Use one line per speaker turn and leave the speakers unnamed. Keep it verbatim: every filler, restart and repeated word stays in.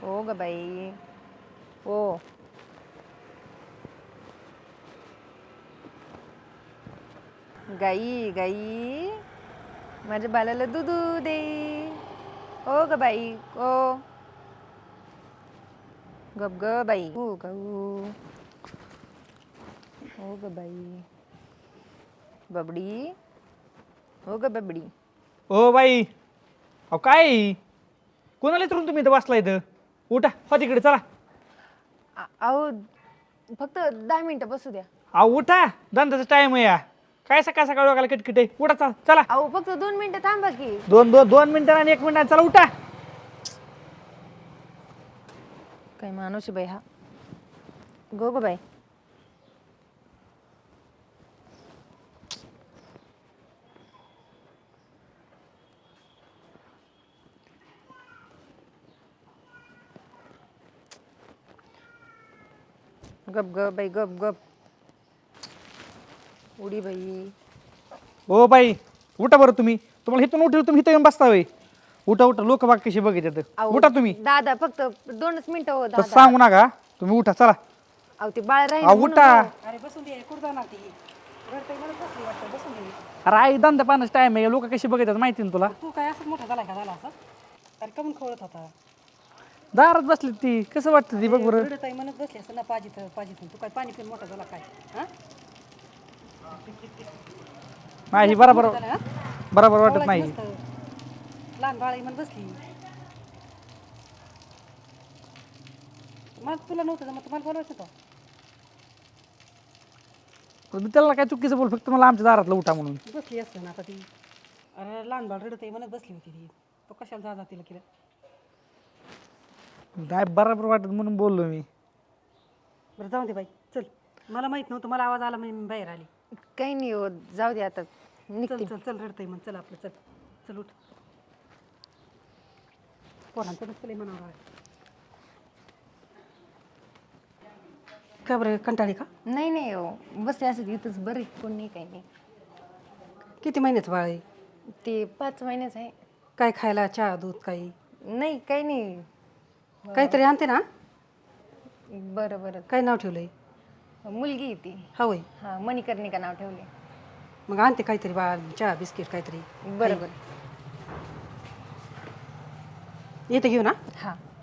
हो ग बाई हो. गाई गाई माझ्या बालाला दूधू दे. हो ग बाई हो. गप ग बाई हो ग हो ग बाई. बबडी हो ग बबडी.
ओ बाई अहो काय कोणाला इथून तुम्ही इथं बसला इथं उठा हो तिकडे चला.
आ- अहो फक्त दहा मिनिटं बसू द्या.
अहो उठा धंद्याचा टाइम आहे या काय सकाळ सकाळ डोक्याला किटकिट आहे उठा चला चला.
अहो फक्त दोन मिनिटं थांबा की.
दोन दोन दोन मिनिटं आणि एक मिनिट चला उठा.
काय माणूस आहे बाई हा. गो ग बाई. गप गप बाई गप गप. उडी बाई.
ओ बाई उठा बरं तुम्ही तुम्हाला इथून उठेल तुम्ही इथं येऊन बसता होय. उठा उठा लोक बाग कशी बघितलं
अहो,
उठा तुम्ही.
दादा फक्त दोनच मिनिटं हो
तसं
दादा.
सांगू नका तुम्ही उठा चला.
अहो ते बाळ राहील
अहो
म्हणून
उठा.
हो.
अरे बसून दे कुठं जाणार ती रडतंय म्हणत बसली वाटतं बसून दे.
अरे आई धंदा पाण्याचा टाइम आहे लोक कशी बघितलं माहिती ना तुला.
तू काय असं मोठा झालाय का झाला असं अरे कमून खवळत होता
दारात बसली ती कसं वाटतं ती बघ बरं.
रडत आहे म्हणत बसली असं ना पाजीत पाजीत तू काय पाणी पिऊन मोठा झाला काय हा
नाही बरोबर
झालं, हा?
बरोबर वाटत
खवळायचं
नाही.
नसतं. लहान बाळ आहे म्हणत बसली मग तुला नव्हतं मग तुम्हाला बोलवायचं होतं
पण त्याला काय चुकीचं बोल फक्त मला आमच्या दारातला उठा म्हणून.
बसली असतं ना आता ती अरे लहान बाळ रडत आहे म्हणत बसली होती ती तो कशाला जा जा तिला केलं
काय बरोबर वाटत म्हणून बोललो मी.
बरं जाऊ दे बाई चल मला माहित नव्हतं मला आवाज आला मी बाहेर आली
काही नाही हो जाऊ दे आता
चल
निघते.
चल चल रडतंय मग चल आपलं चल चल उठ पोरांचं नसतं म्हणावं का बरं कंटाळी का
नाही नाही हो बसते असं इथंच बरं आहे, कोण नाही काही नाही.
किती महिन्याचं बाळ आहे
ते पाच महिन्याच आहे.
काय खायला चहा दूध काही
नाही काही नाही.
काहीतरी आणते ना
बरं बरं.
काय नाव ठेवलंय
मुलगी आहे ती.
हा होय
हां मणिकर्णिका नाव ठेवले.
मग आणते काहीतरी बाळ चहा बिस्किट काहीतरी
बरं बरं.
येते घेऊ ना
हां